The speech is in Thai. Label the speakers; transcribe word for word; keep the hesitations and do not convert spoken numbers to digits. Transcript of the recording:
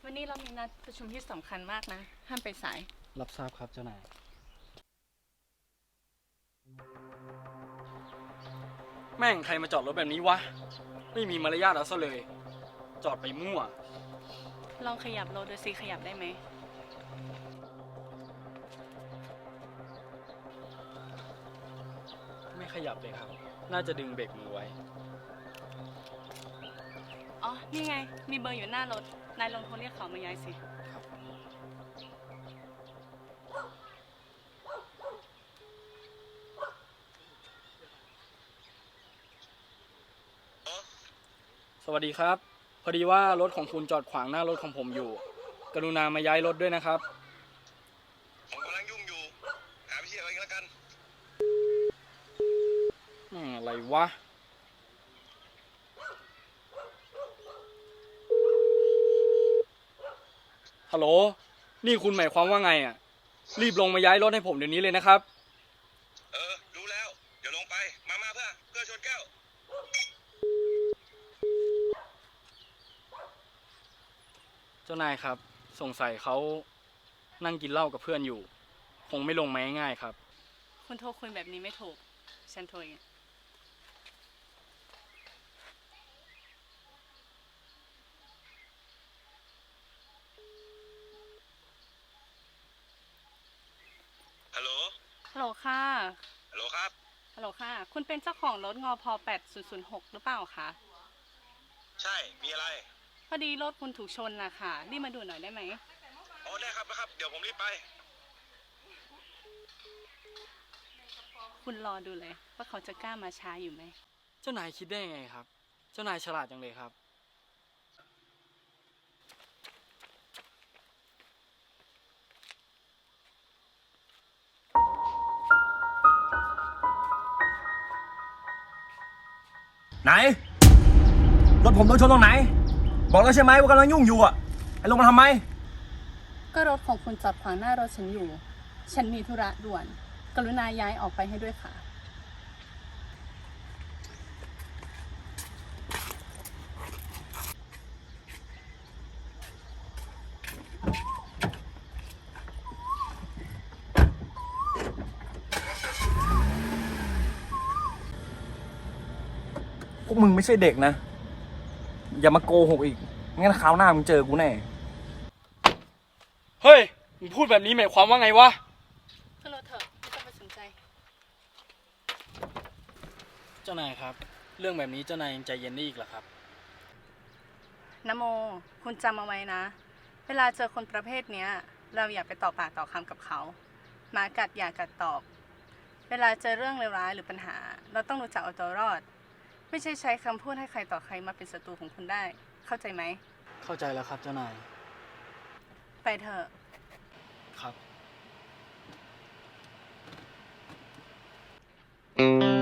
Speaker 1: วันนี้เรามีนัดประชุมที่สำคัญมากนะห้ามไปสาย
Speaker 2: รับทราบครับเจ้านายแม่งใครมาจอดรถแบบนี้วะไม่มีมารยาทเอาซะเลยจอดไปมั่ว
Speaker 1: ลองขยับรถดูสิขยับได้ไหม
Speaker 2: ไม่ขยับเลยครับน่าจะดึงเบรกมือไว้
Speaker 1: อ๋อนี่ไงมีเบอร์อยู่หน้ารถนายลองโทรเรียกเขามาย้ายสิ
Speaker 2: สวัสดีครับพอดีว่ารถของคุณจอดขวางหน้ารถของผมอยู่กรุณามาย้ายรถด้วยนะครับ
Speaker 3: ผมกำลังยุ่งอยู่หาวิธีเอาเองแล้วกัน
Speaker 2: อืมอะไรวะฮัลโหลนี่คุณหมายความว่าไงอ่ะรีบลงมาย้ายรถให้ผมเดี๋ยวนี้เลยนะครับ
Speaker 3: เออรู้แล้วเดี๋ยวลงไปมามาเพื่อเพื่อชนแก้ว
Speaker 2: เจ้านายครับสงสัยเขานั่งกินเหล้ากับเพื่อนอยู่คงไม่ลงมาง่ายๆครับ
Speaker 1: คุณโทรคุยแบบนี้ไม่ถูกฉันโทรเอง
Speaker 3: ฮัลโหล
Speaker 1: ฮัลโหลค่ะ
Speaker 3: ฮัลโหลครับ
Speaker 1: ฮัลโหลค่ะคุณเป็นเจ้าของรถงอพแปดศูนย์ศูนย์หกหรือเปล่าคะ
Speaker 3: ใช่มีอะไร
Speaker 1: พอดีรถคุณถูกชนนะคะรีบมาดูหน่อยได้ไหม
Speaker 3: อ๋อได้ครับนะครับเดี๋ยวผมรีบไป
Speaker 1: คุณรอดูเลยว่าเขาจะกล้ามาช้าอยู่ไหม
Speaker 2: เจ้านายคิดได้ยังไงครับเจ้านายฉลาดจังเลยครับ
Speaker 4: ไหนรถผมโดนชนตรงไหนบอกแล้วใช่ไหมว่ากำลังยุ่งอยู่อ่ะไอ้ลงมาทำไม
Speaker 1: ก็รถของคุณจอดขวางหน้ารถฉันอยู่ฉันมีธุระด่วนกรุณาย้ายออกไปให้ด้วยค่ะ
Speaker 4: พวกมึงไม่ใช่เด็กนะอย่ามาโกหกอีกงั้นคราวหน้ามึงเจอกูแน่
Speaker 2: เฮ้ยมึงพูดแบบนี้หมายความว่าไงวะ
Speaker 1: ขึ้นรถเถอะไม่ต้องไปสนใจ
Speaker 2: เจ้านายครับเรื่องแบบนี้เจ้านายยังใจเย็นได้อีกเหรอครับ
Speaker 1: นโมคุณจำเอาไว้นะเวลาเจอคนประเภทเนี้ยเราอย่าไปต่อปากต่อคำกับเขาหมากัดอย่ากัดตอบเวลาเจอเรื่องเลวร้ายหรือปัญหาเราต้องรู้จักเอาตัวรอดไม่ใช่ใช้คำพูดให้ใครต่อใครมาเป็นศัตรูของคุณได้เข้าใจไหม
Speaker 2: เข้าใจแล้วครับเจ้านาย
Speaker 1: ไปเถอะ
Speaker 2: ครับ